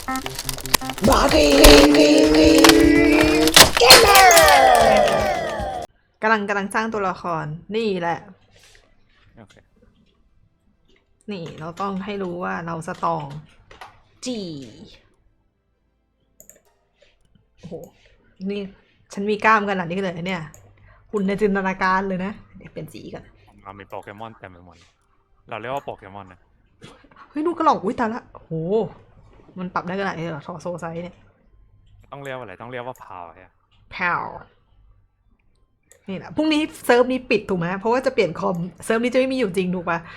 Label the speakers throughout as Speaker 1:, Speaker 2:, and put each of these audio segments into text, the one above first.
Speaker 1: บาร์กี้เกมเมอร์กำลังสร้างตัวละครนี่แหละ
Speaker 2: โอเค
Speaker 1: นี่เราต้องให้รู้ว่าเราสตรองจีโอ้โหนี่ฉันมีกล้ามขนาดนี้เลยเนี่ยหุ่นในจินตนาการเลยนะเดี๋ยวเปลี่ยนสีกัน
Speaker 2: เรามีโปเกมอนเต็มไปหมดเราเรียกว่าโปเกมอนนะ
Speaker 1: เฮ้ยนูกระหล่องอุ้ยตายละโหมันปรับได้ขนาดนี้เหรอทอโซไซส์เนี่ย
Speaker 2: ต้องเรียกว่าอะไรต้องเรียกว่าพาวใช่ไหม
Speaker 1: แพวนี่แหละพรุ่งนี้เซิร์ฟนี้ปิดถูกไหมเพราะว่าจะเปลี่ยนคอมเซิร์ฟนี้จะไม่มีอยู่จริงถูกปะ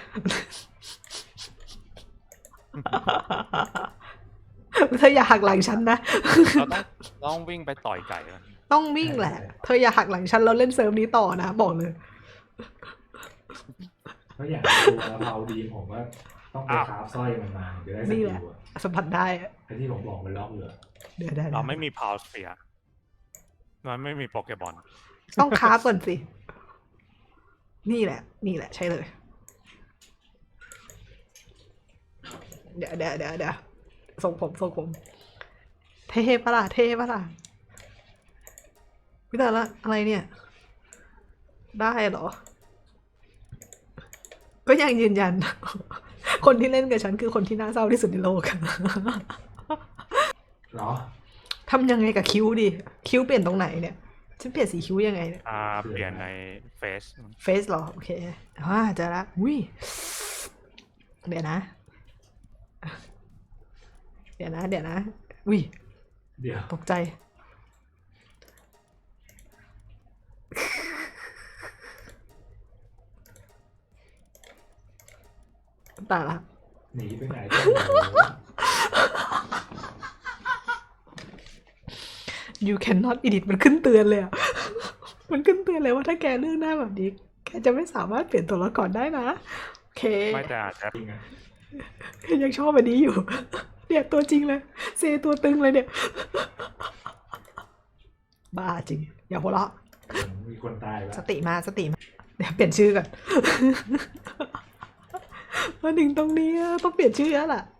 Speaker 1: เธออย่าหักหลังฉันนะ
Speaker 2: เราต้องวิ่งไปต่อยไก่มัน
Speaker 1: ต้องวิ่งแหละเธออย่าหักหลังฉันแล้วเล่นเซิร์ฟนี้ต่อนะบอกเลย
Speaker 3: เพราะอย่างตัวเราดีผมว่าต้องไปคราฟสร้อยมันมาจะได้ส
Speaker 1: นี่
Speaker 3: กิ
Speaker 1: แหละ
Speaker 3: ลอะ
Speaker 1: สัมผัสได้
Speaker 3: ไอ้ที่ผมบอกมันล็อกเหลือ
Speaker 1: เดี๋ยวได้
Speaker 2: เราไม่มีพาวสเฟียร์มันไม่มีโปเกมอน
Speaker 1: ต้องคราฟก่อนสินี่แหละใช่เลยเดี๋ยวส่งผมเท่ปะล่ะพี่แต่ละอะไรเนี่ยได้เหรอก็ยังยืนยัน คนที่เล่นกับฉันคือคนที่น่าเศร้าที่สุดในโลก
Speaker 3: เหรอ
Speaker 1: ทำยังไงกับคิ้วดิคิ้วเปลี่ยนตรงไหนเนี่ยฉันเปลี่ยนสีคิ้วยังไงเนี่ย
Speaker 2: เปลี่ยนในเฟซ
Speaker 1: เฟซเหรอโอเคเจอละอุ้ยเดี๋ยวนะอุ้ย
Speaker 3: เดี๋ยว
Speaker 1: ตกใจตายละ
Speaker 3: หนีไปไหนก็ไม่รู้
Speaker 1: you cannot edit มันขึ้นเตือนเลยอ่ะ มันขึ้นเตือนเลยว่าถ้าแกเลือกหน้าแบบนี้แกจะไม่สามารถเปลี่ยนตัวละครได้นะโอเค
Speaker 2: ไม่แต่อาจจะ
Speaker 3: จริงอะ
Speaker 1: ยังชอบแบบนี้อยู่ เนี่ยตัวจริงเลยเซตัวตึงเลยเนี่ย บ้าจริง อย่าหัวเราะ
Speaker 3: มีคนตายแล้ว
Speaker 1: สติมาเดี๋ยวเปลี่ยนชื่อก่อน มาถึงตรงนี้ต้องเปลี่ยนชื่อแล้วล่ะ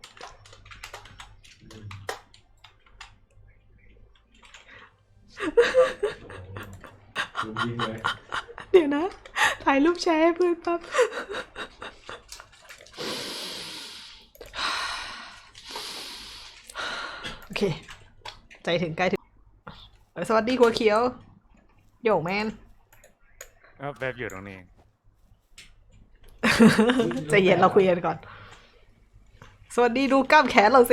Speaker 3: ลุมยิงเลย
Speaker 1: เดี๋ยวนะ ถ่ายรูปแชร์ให้เพื่อนปั๊บ โอเค ใจถึงใกล้ถึงสวัสดีหัวเขียวโยแมน
Speaker 2: แบบอยู่ตรงนี้
Speaker 1: ใจเย็นเราคุยกันก่อน สวัสดีดูกล้ามแขนเราสิ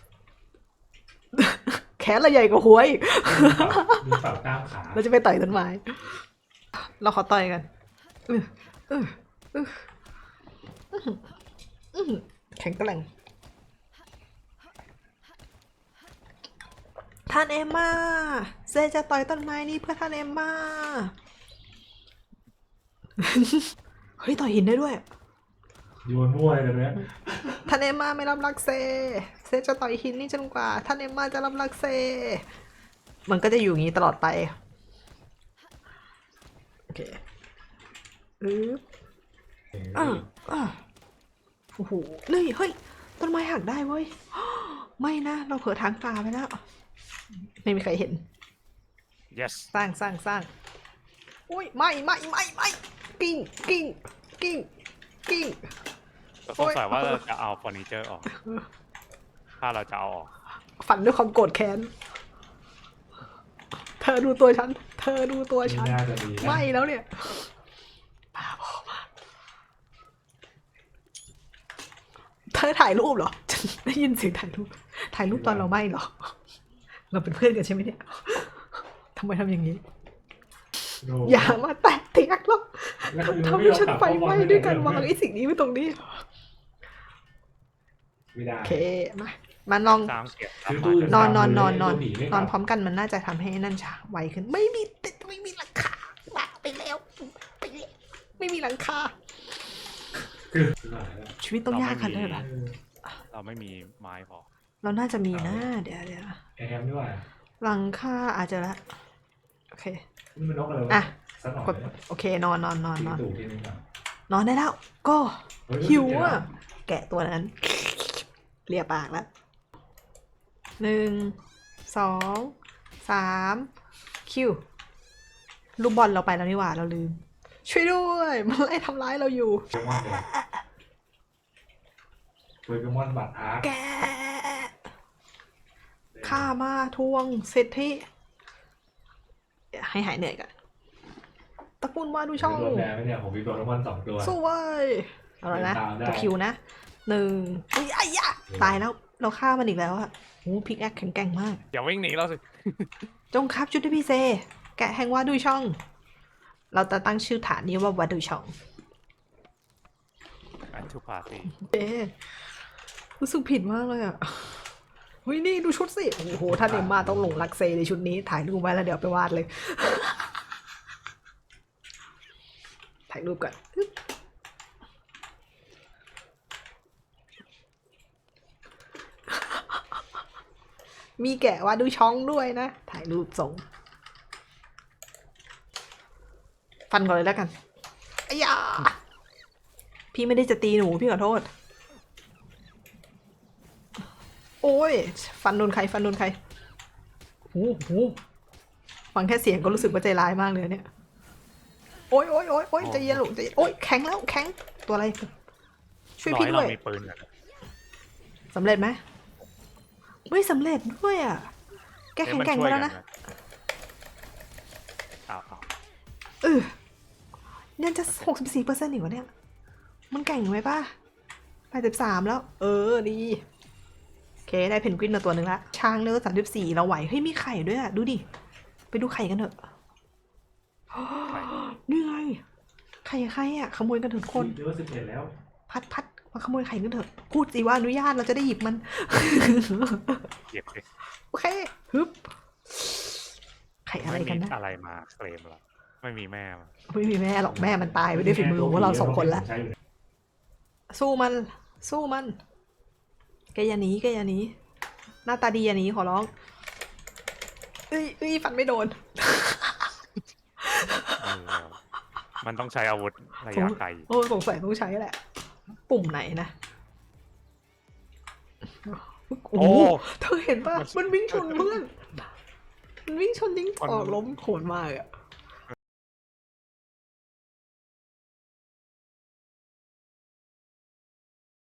Speaker 1: แขนเราใหญ่กว่าหัวอีก
Speaker 3: มีเป่ากล้ามขา
Speaker 1: เราจะไปต่อยต้นไม้ เราขอต่อยกันแข็งแกร่งท่านเอมมาเซจะต่อยต้นไม้นี้เพื่อท่านเอมมาเฮ้ยต่อยหินได้ด้วย
Speaker 3: โยนมั่วเลยนะ
Speaker 1: ท่านเอมมาไม่รับรักเซจะต่อยหินนี่จนกว่าท่านเอมมาจะรับรักเซมันก็จะอยู่อย่างนี้ตลอดไปโอเคโอ้โหนี่เฮ้ยต้นไม้หักได้เว้ย ไม่นะเราเผลอทางตาไปแล้วไม่มีใครเห็น
Speaker 2: yes
Speaker 1: สร้างอุ้ยไม่กิ้ง
Speaker 2: ก็สงสัยว่าเราจะเอาเฟอร์นิเจอร์ออก ถ้าเราจะเอาออก
Speaker 1: ฝันด้วยความโกรธแค้นเธอดูตัวฉัน
Speaker 3: นี่น่าจะดีนะ
Speaker 1: ไม่แล้วเนี่ยบ้าบอมากเธอถ่ายรูปเหรอฉันได้ยินเสียงถ่ายรูปตอนเราไม่เหรอ เราเป็นเพื่อนกันใช่ไหมเนี่ยทำไมทำอย่างนี้
Speaker 3: โน่
Speaker 1: อย่ามาแตะเตียกหรอก
Speaker 3: แล้วคือ
Speaker 1: ทำให้ฉันไฟไหม้ด้วยการวางไอ้สิ่งนี้ไว้ตรงนี้
Speaker 3: ไม่ได้
Speaker 1: โอเคมาลอง
Speaker 2: ตามเก็บ
Speaker 3: คือ
Speaker 2: ตาม
Speaker 3: ตู้
Speaker 2: มา
Speaker 1: นอน
Speaker 3: ตัวหนีไม่ก
Speaker 1: น
Speaker 3: ลั
Speaker 1: อบ นพร้อมกันมันน่าจะทำให้นั่นช้าไวขึ้นไม่มีหลังคาบ้าไปแล้วไม่มีหลังคา
Speaker 3: คือ
Speaker 1: ชีวิตต้องยากขนาดนั้นเหรอ
Speaker 2: เราไม่มีไม้พอ
Speaker 1: เราน่าจะมีนะเดี๋ยว
Speaker 3: แอมด้วย
Speaker 1: หลังคาอาจจะละโอเค
Speaker 3: นี่มันนกอะไรวะ
Speaker 1: อ่ะ
Speaker 3: สักหน่อย
Speaker 1: กดโอเคนอน
Speaker 3: ตู่ทีนึงก่อน
Speaker 1: นอนได้แล้ว ก็
Speaker 3: เฮ้ย
Speaker 1: หิวอ่ะแกะตัวนั้นเลียปากแล้ว 1 2 3คิวลูกบอลเราไปแล้วนี่หว่าเราลืม ช่วยด้วยมันไล่ทำร้ายเราอยู่
Speaker 3: โปเกมอนบัตรอาร์ค
Speaker 1: แกข้ามาทวงสิทธิให้หายเหนื่อยกันตระกูลมาดูช่อง
Speaker 3: โดนแบนไหมเนี่ยผมมีโปเกมอน2 ตัว
Speaker 1: สู้เว้ยเอาละนะ
Speaker 3: ตามได้
Speaker 1: ตัวคิวนะ1อุ้ยไอ้ยะตายแล้วเราฆ่ามันอีกแล้วอะโอ้พิกแอคแข็งแกร่งมาก
Speaker 2: อย่าวิ่งหนีเราสิ
Speaker 1: จงครับจุดที่พี่เซ แกะแห่งวาดูช่อง เราจะตั้งชื่อฐานนี้ว่าวาดูช่อง
Speaker 2: อันทูพาร์ตี้
Speaker 1: เอ๊ะรู้สึกผิดมากเลยอ่ะเฮ้ยนี่ดูชุดสิ โอ้โหท่านเอ็มมาต้องหลงรักเซในชุดนี้ ถ่ายรูปไว้แล้วเดี๋ยวไปวาดเลย ถ่ายรูปก่อนอึ๊บมีแกะวาดูช่องด้วยนะ ถ่ายรูปส่ง ฟันก่อนเลยแล้วกันอ้ยาพี่ไม่ได้จะตีหนูพี่ขอโทษ โอ้ยฟันโดนใครฟันโดนใครโอ้โหฟังแค่เสียงก็รู้สึกว่าใจร้ายมากเลยเนี่ยโอ้ยโอ้ยโอ้ยโอ้ยใจเย็นลูกใจเย็นโอ้ยแข็งแล้วแข็งตัวอะไรช่วยพี่ด้วย
Speaker 2: เรามีปืนกัน
Speaker 1: สำเร็จไหมไม่สำเร็จด้วยอ่ะแกแข็งแกร่งไปแล้วนะ
Speaker 2: อ้าว
Speaker 1: ยังจะ64%อีกวะเนี่ยมันแก่งไหมป้า83แล้วดีโอเคได้เพนกวินมาตัวหนึ่งละช้างเนื้อ34เราไหวเฮ้ยมีไข่ด้วยอ่ะดูดิไปดูไข่กันเถอะนี่ไงไข่ใครอ่ะขโมยกันเถอะทุกคน
Speaker 3: เยอะ11 แล้ว
Speaker 1: พัดมาขโมยไข่กันเถอะพูดสิว่าอนุญาตเราจะได้หยิบมัน
Speaker 2: เก็บสิ
Speaker 1: โอเคฮึบไข่อะไรกันนะ
Speaker 2: ม่มีอะไรมาเคลมเราไม่มีแม่มา
Speaker 1: ไม่มีแม่หรอกแม่มันตายไปด้วยฝีมือของพวกเรา2 คนละ
Speaker 3: ใช้อยู่
Speaker 1: สู้มันสู้มันแกอย่าหนีแกอย่าหนีหน้าตาดีอย่าหนีขอร้องเอ้ยฟันไม่โดน
Speaker 2: เออมันต้องใช้อาวุธระยะไกล
Speaker 1: โอ้สงสัยต้องใช้แหละ ปุ่มไหนนะโอ้โหเธอเห็นป่ะมันวิ่งชนเพื่อนมันวิ่งชนยิงออกล้มโหดมากอะ